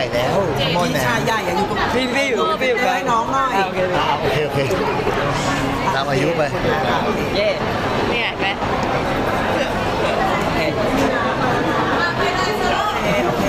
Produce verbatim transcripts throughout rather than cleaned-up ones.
ญ่แล้วมอนพี่แมชายนใหญ่อะอยู่ตรงพี่พี่อยู่พี่อยู่ให้น้องหน่อยโอเคอ่าโอเคโอเคตามอายุไปเย่เนี่ยเห็นไหมโอเคโอเค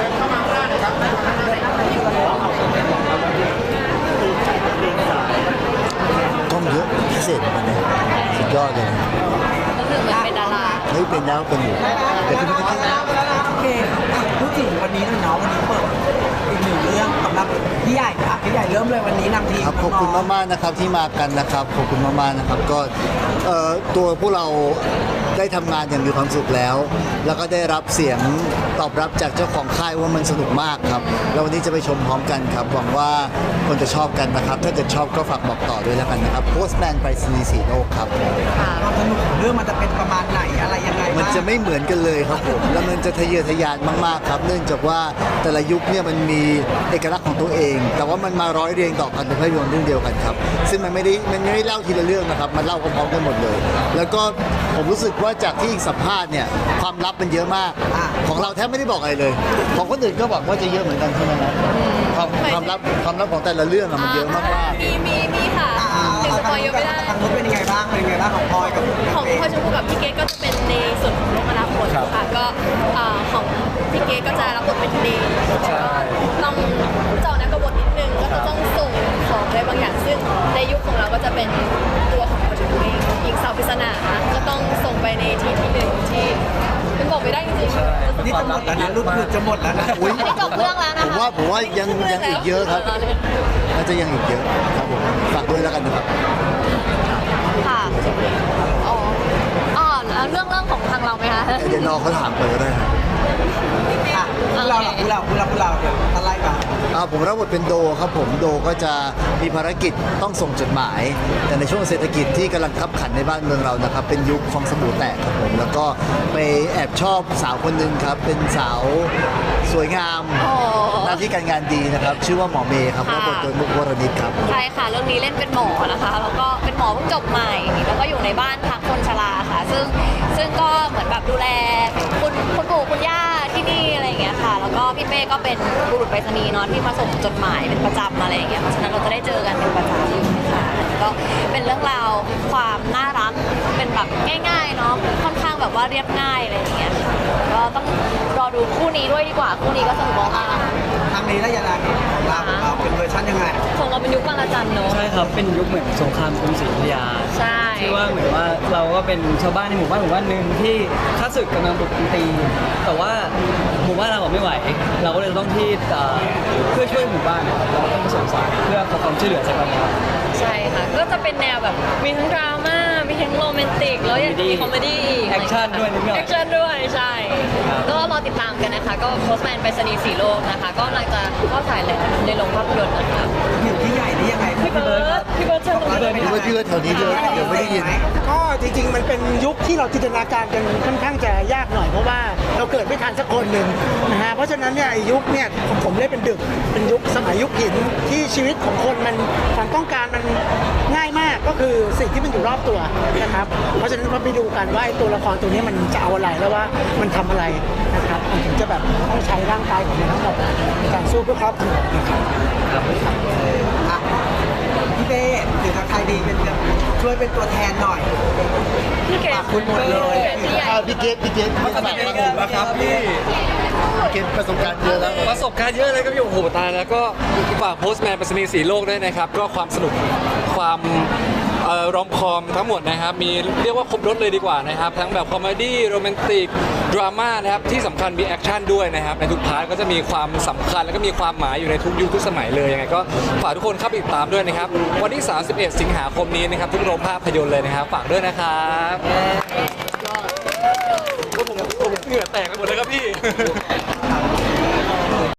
กล้องเยอะพิเศษเหมือนกันนะสุดยอดเลยนะก็คือเหมือนเป็นดาราเฮ้ยเป็นแล้วเป็นอยู่แต่คุณไม่เอาได้แล้วเอาแล้วโอเคอ่ะพูดถึงวันนี้หน่อยเนาะวันนี้เปิดอีกหนึ่งเรื่องสำหรับพี่ใหญ่อ่ะพี่ใหญ่เริ่มเลยวันนี้นำทีมครับขอบคุณมากๆนะครับที่มากันนะครับขอบคุณมากๆนะครับก็เอ่อตัวพวกเราได้ทำงานอย่างมีความสุขแล้ว แล้วก็ได้รับเสียงตอบรับจากเจ้าของค่ายว่ามันสนุกมากครับแล้ววันนี้จะไปชมพร้อมกันครับหวังว่าคนจะชอบกันนะครับถ้าเกิดชอบก็ฝากบอกต่อด้วยแล้วกันนะครับ Postman ไปรษณีย์สีโลกครับความสนุกของเรื่องมันจะเป็นประมาณไหนอะไรยังไงมันจะไม่เหมือนกันเลยครับผม แล้วมันจะทะเยอทะยานมากๆครับ เนื่องจากว่าแต่ละยุคเนี่ยมันมีเอกลักษณ์ของตัวเอง แต่ว่ามันมาร้อยเรียงต่อกันเป็นภาพยนตร์เรื่องเดียวกันครับ ซึ่งมันไม่ได้มันไม่ได้เล่าทีละเรื่องนะครับ มันเล่าพร้อมๆกันหมดเลย แล้วก็ผมรู้สึกว่าจากที่สัมภาษณ์เนี่ยความลับมันเยอะมาก ของเราแทบไม่ได้บอกอะไรเลย ของคนอื่นก็บอกว่าจะเยอะเหมือนกันใช่ไหมครับความความลับความลับของแต่ละเรื่องอะมันเยอะมากๆมีมีมีค่ะถึงสปอยเยอะไม่ได้ทางนู้นเป็นยังไงบ้างเป็นยังไงบ้างของพลอยกับของพ่อชมพู่กับพี่เกดก็จะเป็นในส่วนของโลกอนาคตค่ะก็เอ่อของพี่เกดก็จะรับบทเป็นเดย์ต้องเจาะนักกบฏนิดนึงก็จะต้องส่งของอะไรบางอย่างซึ่งในยุคของเราก็จะเป็นตัวของพ่อชมพู่เองอีกสาวปริศนาก็ต้องส่งไปในที่ที่หนึ่งที่มันบอกไม่ได้จริงๆนี่จะหมดแล้วนะรุ่นหยุดจะหมดแล้วนะอุ๊ยอันนี้จบเรื่องแล้วนะผมคะว่าผมว่ายังยังอีกเยอะครับน่าจะยังอีกเยอะครับผมฝากด้วยแล้วกันนะครับค่ะอ๋ออ๋อแล้วเรื่องเรื่องของทางเราไหมคะเดี๋ยวรอเขาถามไปก็ได้ครับอ่ะพวกเราเหรอพวกเราพวกเราพวกเราเดี๋ยวอะไรบ้างอ่าผมรับบทเป็นโดครับผมโดก็จะมีภารกิจต้องส่งจดหมาย แต่ในช่วงเศรษฐกิจที่กำลังขับขันในบ้านเมืองเรานะครับ เป็นยุคฟองสบู่แตกครับผมแล้วก็ไปแอบชอบสาวคนหนึ่งครับ เป็นสาวสวยงามอ๋อหน้าที่การงานดีนะครับ ชื่อว่าหมอเมย์ครับค่ะรับบทโดยมุกวรณิตครับใช่ค่ะเรื่องนี้เล่นเป็นหมอนะคะ แล้วก็เป็นหมอเพิ่งจบใหม่ แล้วก็อยู่ในบ้านพักคนชราค่ะ ซึ่งซึ่งก็เหมือนแบบดูแลคุณคุณปู่คุณย่าที่นี่อะไรอย่างเงี้ยค่ะ แล้วก็พี่เป้ก็เป็นบุรุษไปรษณีย์เนาะที่มาส่งจดหมายเป็นประจำอะไรอย่างเงี้ยเพราะฉะนั้นเราจะได้เจอกันเป็นประจำอยู่ค่ะก็เป็นเรื่องราวความน่ารักเป็นแบบง่ายๆเนาะค่อนข้างแบบว่าเรียบง่ายอะไรอย่างเงี้ยค่ะก็ต้องรอดูคู่นี้ด้วยดีกว่าคู่นี้ก็สนุกมากทางนี้และยาดาของเราของเราเป็นเวอร์ชันยังไงของเราเป็นยุคบางระจันเนาะใช่ครับเป็นยุคเหมือนสงครามกรุงศรีอยุธยาใช่ที่ว่าเหมือนว่าเราก็เป็นชาวบ้านในหมู่บ้านหมู่บ้านหนึ่งที่ข้าศึกกำลังบุกตี แต่ว่าหมู่บ้านเราอะไม่ไหว เราก็เลยต้องที่เอ่อเพื่อช่วยหมู่บ้านนะครับเราก็ต้องส่งสารเพื่อขอความช่วยเหลือจากเราครับใช่ค่ะ ก็จะเป็นแนวแบบมีทั้งดราม่า มีทั้งโรแมนติก แล้วยังมีคอมเมดี้อีกแอคชั่นด้วยนิดหน่อยแอคชั่นด้วย ใช่ครับก็รอติดตามกันนะคะ ก็โพสต์แมนไปสนีย์สีโลกนะคะ ก็กำลังจะเข้าถ่ายแล้วในโรงภาพยนตร์นะคะอยู่ที่ใหญ่นี่ยังไงพี่เบิร์ดพี่เบิร์ดเชิญตรงนี้เลยพี่ว่าพี่ว่าแถวนี้เยอะเดี๋ยวไม่ได้ยินก็จริงๆ มันเป็นยุคที่เราจินตนาการกันค่อนข้างจะยากหน่อยเพราะว่าเราเกิดไม่ทันสักคนหนึ่งนะฮะเพราะฉะนั้นเนี่ยไอ้ยุคเนี่ยผมผมเล่นเป็นดึกเป็นยุคสมัยยุคหินที่ชีวิตของคนมันความต้องการมันง่ายมากก็คือสิ่งที่มันอยู่รอบตัวนะครับเพราะฉะนั้นเราไปดูกันว่าไอ้ตัวละครตัวนี้มันจะเอาอะไรแล้วว่ามันทำอะไรนะครับมันถึงจะแบบต้องใช้ร่างกายของมันทั้งหมดในการสู้เพื่อครอบครัวนะครับอ่ะพี่เป้หรือทางใครดีเป็นช่วยเป็นตัวแทนหน่อยพี่เกดฝากคุณหมดเลยพี่ใหญ่อ่าพี่เกตพี่เกตพี่เกตฝากพี่เกตนะครับพี่พี่เกตประสบการณ์เยอะแล้วประสบการณ์เยอะเลยครับพี่โอ้โหตายแล้วก็ฝากโพสต์แมนไปรษณีย์สีโลกด้วยนะครับ ก็ความสนุกความเอ่อรอมคอมทั้งหมดนะครับ มีเรียกว่าครบรถเลยดีกว่านะครับ ทั้งแบบคอมเมดี้โรแมนติกดราม่านะครับ ที่สำคัญมีแอคชั่นด้วยนะครับ ในทุกพาร์ทก็จะมีความสำคัญแล้วก็มีความหมายอยู่ในทุกยุคทุกสมัยเลยยังไงก็ฝากทุกคนเข้าไปติดตามด้วยนะครับ วันที่ สามสิบเอ็ด สิงหาคมนี้นะครับ ทุกโรงภาพยนตร์เลยนะครับ ฝากด้วยนะครับก็ผมผมเหงื่อแตกไปหมดเลยครับพี่